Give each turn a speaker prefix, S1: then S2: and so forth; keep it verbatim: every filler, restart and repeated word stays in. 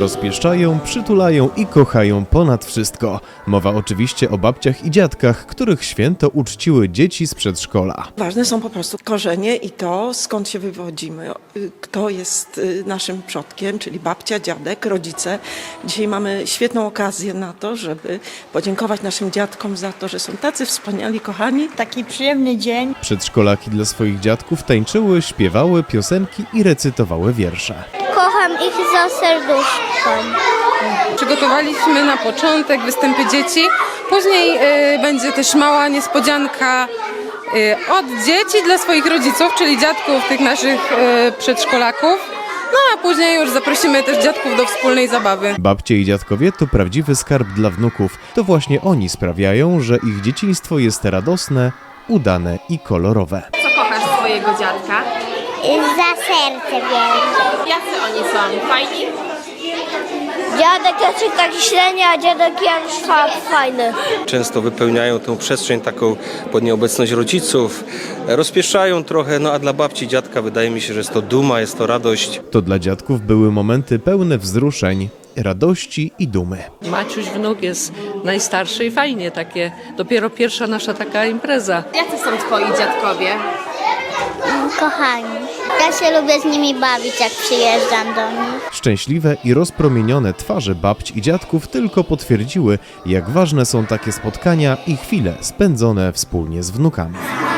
S1: rozpieszczają, przytulają i kochają ponad wszystko. Mowa oczywiście o babciach i dziadkach, których święto uczciły dzieci z przedszkola.
S2: Ważne są po prostu korzenie i to, skąd się wywodzimy, kto jest naszym przodkiem, czyli babcia, dziadek, rodzice. Dzisiaj mamy świetną okazję na to, żeby podziękować naszym dziadkom za to, że są tacy wspaniali, kochani.
S3: Taki przyjemny dzień.
S1: Przedszkolaki dla swoich dziadków tańczyły, śpiewały piosenki i recytowały wiersze.
S4: Kocham ich za serduszkiem.
S5: Przygotowaliśmy na początek występy dzieci, później y, będzie też mała niespodzianka y, od dzieci dla swoich rodziców, czyli dziadków tych naszych y, przedszkolaków. No a później już zaprosimy też dziadków do wspólnej zabawy.
S1: Babcie i dziadkowie to prawdziwy skarb dla wnuków. To właśnie oni sprawiają, że ich dzieciństwo jest radosne, udane i kolorowe.
S6: Co kochasz swojego dziadka?
S4: Za serce wielkie.
S6: Jacy oni są? Fajni?
S4: Dziadek Jacek taki średni, a dziadek Janusz fajny.
S7: Często wypełniają tę przestrzeń taką pod nieobecność rodziców, rozpieszają trochę, no a dla babci i dziadka wydaje mi się, że jest to duma, jest to radość.
S1: To dla dziadków były momenty pełne wzruszeń, radości i dumy.
S8: Maciuś wnuk jest najstarszy i fajnie takie, dopiero pierwsza nasza taka impreza.
S6: Jacy są twoi dziadkowie?
S4: Kochani. Ja się lubię z nimi bawić, jak przyjeżdżam do nich.
S1: Szczęśliwe i rozpromienione twarze babć i dziadków tylko potwierdziły, jak ważne są takie spotkania i chwile spędzone wspólnie z wnukami.